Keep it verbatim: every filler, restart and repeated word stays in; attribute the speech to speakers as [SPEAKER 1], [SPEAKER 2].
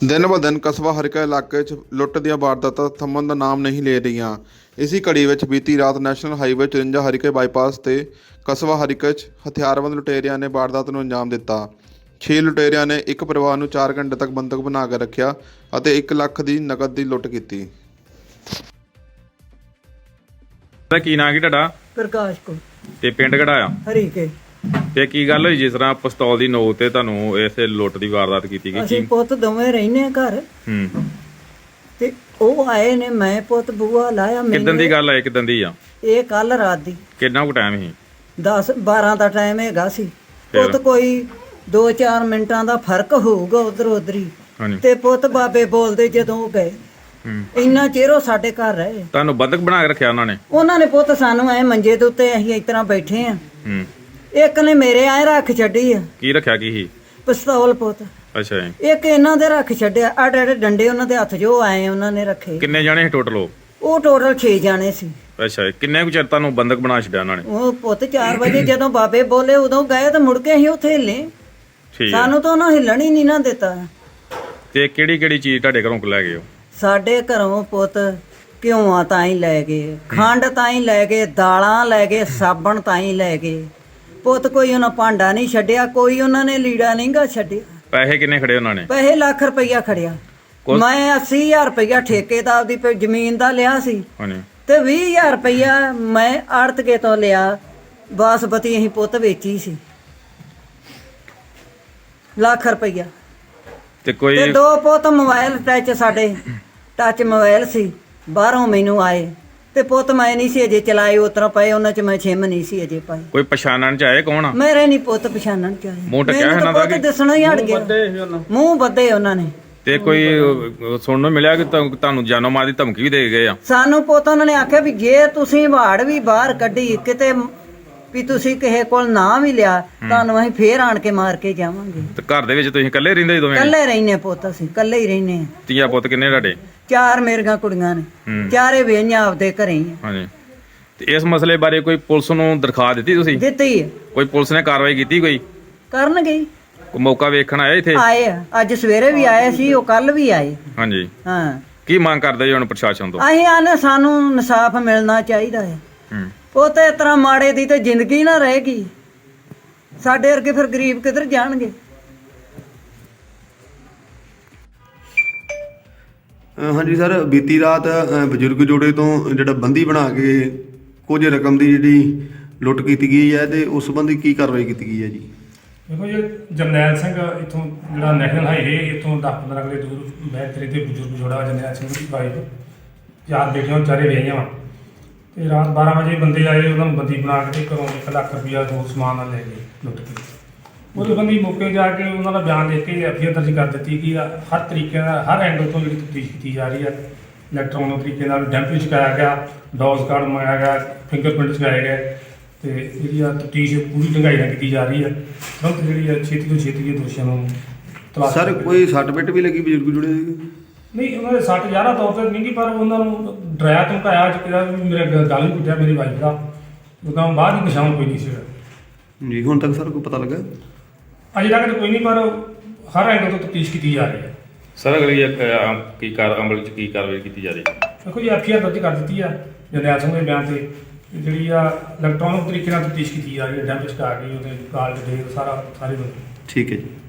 [SPEAKER 1] दिन ब दिन कस्बा हरका इलाके च लुੱਟ ਦੀਆਂ ਵਾਰਦਾਤਾਂ ਥੰਮਣ ਦਾ ਨਾਮ ਨਹੀਂ ਲੈ ਰਹੀਆਂ। ਇਸੀ ਕੜੀ ਵਿੱਚ ਬੀਤੀ ਰਾਤ ਨੈਸ਼ਨਲ ਹਾਈਵੇ ਚੁਰੰਜਾ ਹਰੀਕੇ ਬਾਈਪਾਸ ਤੇ ਕਸਬਾ ਹਰੀਕੇ 'ਚ ਹਥਿਆਰਬੰਦ ਲੁਟੇਰਿਆਂ ਨੇ ਵਾਰਦਾਤ ਨੂੰ ਅੰਜਾਮ ਦਿੱਤਾ। ਛੇ ਲੁਟੇਰਿਆਂ ਨੇ ਇੱਕ ਪਰਿਵਾਰ ਨੂੰ ਚਾਰ ਘੰਟੇ ਤੱਕ ਬੰਦਕ ਬਣਾ ਕੇ ਰੱਖਿਆ ਅਤੇ ਇੱਕ ਲੱਖ ਦੀ ਨਕਦ ਦੀ ਲੁੱਟ ਕੀਤੀ।
[SPEAKER 2] ਕੀ ਨਾਂ ਕੀ ਤੁਹਾਡਾ?
[SPEAKER 3] ਪ੍ਰਕਾਸ਼ ਕੋ
[SPEAKER 2] ਤੇ ਪਿੰਡ ਕਿਹੜਾ ਆ?
[SPEAKER 3] ਹਰੀਕੇ।
[SPEAKER 2] ਤੇ ਕੀ ਗੱਲ ਹੋਈ ਜਿਸ ਤਰ੍ਹਾਂ ਪਿਸਤੌਲ ਦੀ ਨੋਕ ਤੇ ਤੁਹਾਨੂੰ ਇਸੇ ਲੁੱਟ ਦੀ ਵਾਰਦਾਤ ਕੀਤੀ ਗਈ?
[SPEAKER 3] ਅਸੀਂ ਪੁੱਤ ਦੋਵੇਂ ਰਹਿੰਦੇ ਆ ਘਰ।
[SPEAKER 2] ਹੂੰ।
[SPEAKER 3] ਤੇ ਉਹ ਆਏ ਨੇ, ਮੈਂ ਪੁੱਤ ਬੂਆ ਲਾਇਆ।
[SPEAKER 2] ਕਿਦਾਂ ਦੀ ਗੱਲ ਹੈ? ਕਿਦਾਂ ਦੀ ਆ
[SPEAKER 3] ਇਹ ਕੱਲ ਰਾਤ ਦੀ।
[SPEAKER 2] ਕਿੰਨਾ ਕੁ ਟਾਈਮ ਸੀ?
[SPEAKER 3] ਦਸ ਬਾਰਾਂ ਦਾ ਟਾਈਮ ਹੈਗਾ ਸੀ। ਪੁੱਤ ਕੋਈ ਦੋ ਚਾਰ ਮਿੰਟਾਂ ਦਾ ਫਰਕ ਹੋਊਗਾ ਉਧਰ ਉਧਰੀ। ਤੇ ਪੁੱਤ ਬਾਬੇ ਬੋਲਦੇ ਜਦੋਂ ਉਹ ਗਏ, ਇੰਨਾ ਚਿਰ ਉਹ ਸਾਡੇ ਘਰ ਰਹੇ।
[SPEAKER 2] ਤੁਹਾਨੂੰ ਬੰਦਕ ਬਣਾ ਕੇ ਰੱਖਿਆ ਉਹਨਾਂ ਨੇ? ਉਹਨਾਂ
[SPEAKER 3] ਨੇ ਪੁੱਤ ਸਾਨੂੰ ਐ ਮੰਜੇ ਦੇ ਉੱਤੇ ਅਸੀਂ ਇਸ ਤਰ੍ਹਾਂ ਬੈਠੇ ਆ।
[SPEAKER 2] ਹੂੰ।
[SPEAKER 3] ਇੱਕ ਨੇ ਮੇਰੇ ਐ ਰੱਖ ਛੱਡੀ ਆ।
[SPEAKER 2] ਕੀ ਰੱਖਿਆ? ਕੀ ਸੀ?
[SPEAKER 3] ਪਿਸਤੌਲ ਪੁੱਤ।
[SPEAKER 2] ਅੱਛਾ ਜੀ।
[SPEAKER 3] ਇੱਕ ਇਹਨਾਂ ਦੇ ਰੱਖ ਛੱਡਿਆ। ਆੜੇ ਆੜੇ ਡੰਡੇ ਉਹਨਾਂ ਦੇ ਹੱਥ ਜੋ ਆਏ ਉਹਨਾਂ ਨੇ ਰੱਖੇ।
[SPEAKER 2] ਕਿੰਨੇ ਜਾਣੇ ਸੀ ਟੋਟਲ?
[SPEAKER 3] ਉਹ ਟੋਟਲ ਛੇ ਜਾਣੇ ਸੀ।
[SPEAKER 2] ਅੱਛਾ। ਕਿੰਨੇ ਕੁ ਚਿਰ ਤੁਹਾਨੂੰ ਬੰਦਕ ਬਣਾ ਛੱਡਿਆ ਉਹਨਾਂ ਨੇ?
[SPEAKER 3] ਉਹ ਪੁੱਤ ਚਾਰ ਵਜੇ ਜਦੋਂ ਬਾਬੇ ਬੋਲੇ ਉਦੋਂ ਗਏ ਤੇ ਮੁੜ ਕੇ ਅਸੀਂ ਉੱਥੇ ਹਿੱਲੇ।
[SPEAKER 2] ਠੀਕ।
[SPEAKER 3] ਸਾਨੂੰ ਤਾਂ ਉਹਨਾਂ ਹਿੱਲਣ ਹੀ ਨਹੀਂ ਨਾ ਦਿੱਤਾ।
[SPEAKER 2] ਤੇ ਕਿਹੜੀ ਕਿਹੜੀ ਚੀਜ਼ ਤੁਹਾਡੇ ਘਰੋਂ ਲੈ ਗਏ?
[SPEAKER 3] ਸਾਡੇ ਘਰੋਂ ਪੁੱਤ ਘਿਓਆਂ ਤਾਂ ਹੀ ਲੈ ਗਏ, ਖੰਡ ਤਾਂ ਹੀ ਲੈ ਗਏ, ਦਾਲਾਂ ਲੈ ਗਏ, ਸਾਬਣ ਤਾਂ ਹੀ ਲੈ ਗਏ। ਪੁੱਤ ਕੋਈ ਉਹਨਾਂ ਭਾਂਡਾ ਨਹੀਂ ਛੱਡਿਆ, ਕੋਈ ਉਹਨਾਂ ਨੇ ਲੀੜਾ ਨਹੀਂ ਗਾ ਛੱਡਿਆ।
[SPEAKER 2] ਪੈਸੇ ਕਿੰਨੇ ਖੜੇ ਉਹਨਾਂ ਨੇ?
[SPEAKER 3] ਪੈਸੇ ਲੱਖ ਰੁਪਈਆ ਖੜਿਆ। ਮੈਂ ਅੱਸੀ ਹਜ਼ਾਰ ਰੁਪਈਆ ਠੇਕੇਦਾਰ ਦੀ ਜ਼ਮੀਨ ਦਾ ਲਿਆ ਸੀ ਤੇ ਵੀਹ ਹਜ਼ਾਰ ਰੁਪਈਆ ਮੈਂ ਆੜਤਕੇ ਤੋਂ ਲਿਆ। ਬਾਸਪਤੀ ਅਸੀਂ ਪੁੱਤ ਵੇਚੀ ਸੀ। ਲੱਖ ਰੁਪਈਆ
[SPEAKER 2] ਤੇ ਕੋਈ
[SPEAKER 3] ਤੇ ਦੋ ਪੁੱਤ ਮੋਬਾਈਲ ਟੱਚ, ਸਾਡੇ ਟੱਚ ਮੋਬਾਈਲ ਸੀ, ਬਾਹਰੋਂ ਮੈਨੂੰ ਆਏ ਤੇ ਪੁੱਤ ਮੈਂ ਨਹੀਂ ਸੀ ਅਜੇ ਚਲਾਏ। ਉਤਰਾ ਪਏ ਉਹਨਾਂ ਚ ਮੈਂ ਛਿਮ ਨਹੀਂ ਸੀ ਅਜੇ ਪਾਈ।
[SPEAKER 2] ਕੋਈ ਪਛਾਣਨ ਚ ਆਏ? ਕੌਣ ਆ?
[SPEAKER 3] ਮੇਰੇ ਨਹੀਂ ਪੁੱਤ ਪਛਾਣਨ ਚ ਆਏ।
[SPEAKER 2] ਮੂੰਹ ਟਕਿਆ ਇਹਨਾਂ ਦਾ ਕਿ
[SPEAKER 3] ਦਿਸਣਾ ਹੀ ਹਟ ਗਿਆ। ਮੂੰਹ ਬੱਦੇ ਉਹਨਾਂ ਨੇ।
[SPEAKER 2] ਤੇ ਕੋਈ ਸੁਣਨ ਨੂੰ ਮਿਲਿਆ ਕਿ ਤੁਹਾਨੂੰ ਜਾਨੋਂ ਮਾਰ ਦੀ ਧਮਕੀ ਵੀ ਦੇ ਗਏ ਆ?
[SPEAKER 3] ਸਾਨੂੰ ਪੁੱਤ ਉਹਨਾਂ ਨੇ ਆਖਿਆ ਵੀ ਜੇ ਤੁਸੀਂ ਵਾੜ ਵੀ ਬਾਹਰ ਕੱਢੀ ਕਿਤੇ ਵੀ ਤੁਸੀਂ ਕਿਸੇ ਕੋਲ ਨਾ ਵੀ ਲਿਆ ਤੁਹਾਨੂੰ ਅਸੀਂ ਫੇਰ ਆਣ ਕੇ ਮਾਰ ਕੇ ਜਾਵਾਂਗੇ।
[SPEAKER 2] ਤੇ ਘਰ ਦੇ ਵਿੱਚ ਤੁਸੀਂ ਇਕੱਲੇ ਰਹਿੰਦੇ? ਦੋਵੇਂ
[SPEAKER 3] ਇਕੱਲੇ ਰਹਿੰਦੇ ਪੁੱਤ, ਅਸੀਂ ਇਕੱਲੇ ਹੀ ਰਹਿੰਦੇ ਆ।
[SPEAKER 2] ਧੀਆ ਪੁੱਤ ਕਿੰਨੇ ਤੁਹਾਡੇ?
[SPEAKER 3] ਚਾਰ ਮੇਰੀਆਂ ਕੁੜੀਆਂ ਨੇ, ਚਾਰੇ ਵੇਹੀਆਂ ਆਪਦੇ ਘਰੇ ਹੀ ਆ।
[SPEAKER 2] ਹਾਂਜੀ। ਤੇ ਇਸ ਮਸਲੇ ਬਾਰੇ ਕੋਈ ਪੁਲਿਸ ਨੂੰ ਦਰਖਾਸਤ ਦਿੱਤੀ ਤੁਸੀਂ?
[SPEAKER 3] ਦਿੱਤੀ ਹੈ।
[SPEAKER 2] ਕੋਈ ਪੁਲਿਸ ਨੇ ਕਾਰਵਾਈ ਕੀਤੀ? ਕੋਈ
[SPEAKER 3] ਕਰਨਗੇ।
[SPEAKER 2] ਕੋਈ ਮੌਕਾ ਵੇਖਣ ਆਇਆ ਇੱਥੇ? ਆਏ
[SPEAKER 3] ਆ, ਅੱਜ ਸਵੇਰੇ ਵੀ ਆਏ ਸੀ, ਉਹ ਕੱਲ ਵੀ ਆਏ।
[SPEAKER 2] ਹਾਂਜੀ।
[SPEAKER 3] ਹਾਂ।
[SPEAKER 2] ਕੀ ਮੰਗ ਕਰਦੇ ਜੀ ਹੁਣ ਪ੍ਰਸ਼ਾਸਨ ਤੋਂ?
[SPEAKER 3] ਅਸੀਂ ਆਨੇ ਸਾਨੂੰ ਇਨਸਾਫ ਮਿਲਣਾ ਚਾਹੀਦਾ ਹੈ।
[SPEAKER 2] ਹੂੰ।
[SPEAKER 3] ਉਹ ਤੇ ਇਸ ਤਰ੍ਹਾਂ ਮਾੜੇ ਦੀ ਤੇ ਜ਼ਿੰਦਗੀ ਨਾ ਰਹੇਗੀ। ਸਾਡੇ ਵਰਗੇ ਫਿਰ ਗਰੀਬ ਕਿੱਧਰ ਜਾਣਗੇ?
[SPEAKER 4] ਹਾਂਜੀ ਸਰ, ਬੀਤੀ ਰਾਤ ਬਜ਼ੁਰਗ ਜੋੜੇ ਤੋਂ ਜਿਹੜਾ ਬੰਦੀ ਬਣਾ ਕੇ ਕੁਝ ਰਕਮ ਦੀ ਜਿਹੜੀ ਲੁੱਟ ਕੀਤੀ ਗਈ ਹੈ ਤੇ ਉਸ ਸੰਬੰਧੀ ਕੀ ਕਾਰਵਾਈ ਕੀਤੀ ਗਈ ਹੈ ਜੀ?
[SPEAKER 5] ਦੇਖੋ ਜੀ, ਜਰਨੈਲ ਸਿੰਘ ਇੱਥੋਂ ਜਿਹੜਾ ਨੈਸ਼ਨਲ ਹਾਈਵੇ ਇੱਥੋਂ ਦਸ ਪੰਦਰਾਂ ਕਿਲੇ ਦੂਰ ਬੈਤਰੀ ਦੇ ਬਜ਼ੁਰਗ ਜੋੜਾ ਜਰਨੈਲ ਸਿੰਘ ਦੀ ਵਾਈਫ ਯਾਦ ਬੇਟੀਆਂ ਚਾਰੇ ਵਿਆਹੀਆਂ ਵਾ। ਤੇ ਰਾਤ ਬਾਰਾਂ ਵਜੇ ਬੰਦੇ ਆਏ, ਉਹਨਾਂ ਨੂੰ ਬੰਦੀ ਬਣਾ ਕੇ ਘਰੋਂ ਇੱਕ ਲੱਖ ਰੁਪਈਆ ਹੋਰ ਸਮਾਨ ਨਾਲ ਲੈ ਗਏ ਲੁੱਟ ਕੇ। ਉਹਦੇ ਬੰਦੀ ਮੌਕੇ ਜਾ ਕੇ ਉਹਨਾਂ ਦਾ ਬਿਆਨ ਦੇ ਕੇ ਐਫ ਆਈ ਆਰ ਦਰਜ ਕਰ ਦਿੱਤੀ ਕਿ ਹਰ ਤਰੀਕੇ ਨਾਲ ਹਰ ਐਂਗਲ ਤੋਂ ਜਿਹੜੀ ਤਫਤੀਸ਼ ਕੀਤੀ ਜਾ ਰਹੀ ਹੈ। ਇਲੈਕਟ੍ਰੋਨਿਕ ਤਰੀਕੇ ਨਾਲ ਡੈਂਪ ਵੀ ਚੁਕਾਇਆ ਗਿਆ, ਡੋਜ਼ ਕਾਰਡ ਮੰਗਾਇਆ ਗਿਆ, ਫਿੰਗਰਪ੍ਰਿੰਟ ਚੁਕਾਏ ਗਏ ਤੇ ਜਿਹੜੀ ਆ ਤਫਤੀਸ਼ ਪੂਰੀ ਢੰਗਾਈ ਨਾਲ ਕੀਤੀ ਜਾ ਰਹੀ ਹੈ। ਤੁਰੰਤ ਜਿਹੜੀ ਆ ਛੇਤੀ ਤੋਂ ਛੇਤੀ ਇਹ ਦੋਸ਼ੀਆਂ ਨੂੰ ਤਲਾਸ਼।
[SPEAKER 4] ਸਰ ਕੋਈ ਸੱਟ ਪਿੱਟ ਵੀ ਲੱਗੀ ਬਜ਼ੁਰਗ ਜੋੜੇ ਦੀ?
[SPEAKER 5] ਨਹੀਂ, ਉਹਨਾਂ ਦੇ ਸੱਟ ਜ਼ਿਆਦਾ ਤੌਰ ਤੇ ਨਹੀਂ ਗੀ, ਪਰ ਉਹਨਾਂ ਨੂੰ ਡਰਾਇਆ ਧਮਕਾਇਆ ਅੱਜ ਕਿਹਾ ਵੀ ਮੇਰੇ ਗੱਲ ਵੀ ਪੁੱਟਿਆ ਮੇਰੀ ਵਾਈਫ ਦਾ। ਉਹਦਾ ਬਾਅਦ ਹੀ ਨਿਸ਼ਾਨ ਕੋਈ ਨਹੀਂ ਸੀਗਾ
[SPEAKER 4] ਜੀ। ਹੁਣ ਤੱਕ ਸਰ ਕੋਈ ਪਤਾ ਲੱਗਾ?
[SPEAKER 5] ਅਜੇ ਤੱਕ ਤਾਂ ਕੋਈ ਨਹੀਂ, ਪਰ ਹਰ ਐਂਗਲ ਤੋਂ ਤਫਤੀਸ਼ ਕੀਤੀ ਜਾ ਰਹੀ ਹੈ।
[SPEAKER 2] ਸਰ ਅਗਲੀ ਕੀ ਕਾਰ ਅਮਲ ਚ ਕੀ ਕਾਰਵਾਈ ਕੀਤੀ ਜਾ ਰਹੀ ਹੈ?
[SPEAKER 5] ਦੇਖੋ ਜੀ, ਐਫ ਆਈ ਆਰ ਦਰਜ ਕਰ ਦਿੱਤੀ ਆ ਜਰਨੈਲ ਸਿੰਘ ਦੇ ਬਿਆਨ ਤੇ। ਜਿਹੜੀ ਆ ਇਲੈਕਟ੍ਰੋਨਿਕ ਤਰੀਕੇ ਨਾਲ ਤਫਤੀਸ਼ ਕੀਤੀ ਜਾ ਰਹੀ ਹੈ, ਡੈਂਪ ਚੁਕਾ ਕੇ ਉਹਦੇ ਕਾਲ ਦੇ ਸਾਰਾ ਸਾਰੇ ਬੰਦੇ।
[SPEAKER 4] ਠੀਕ ਹੈ ਜੀ।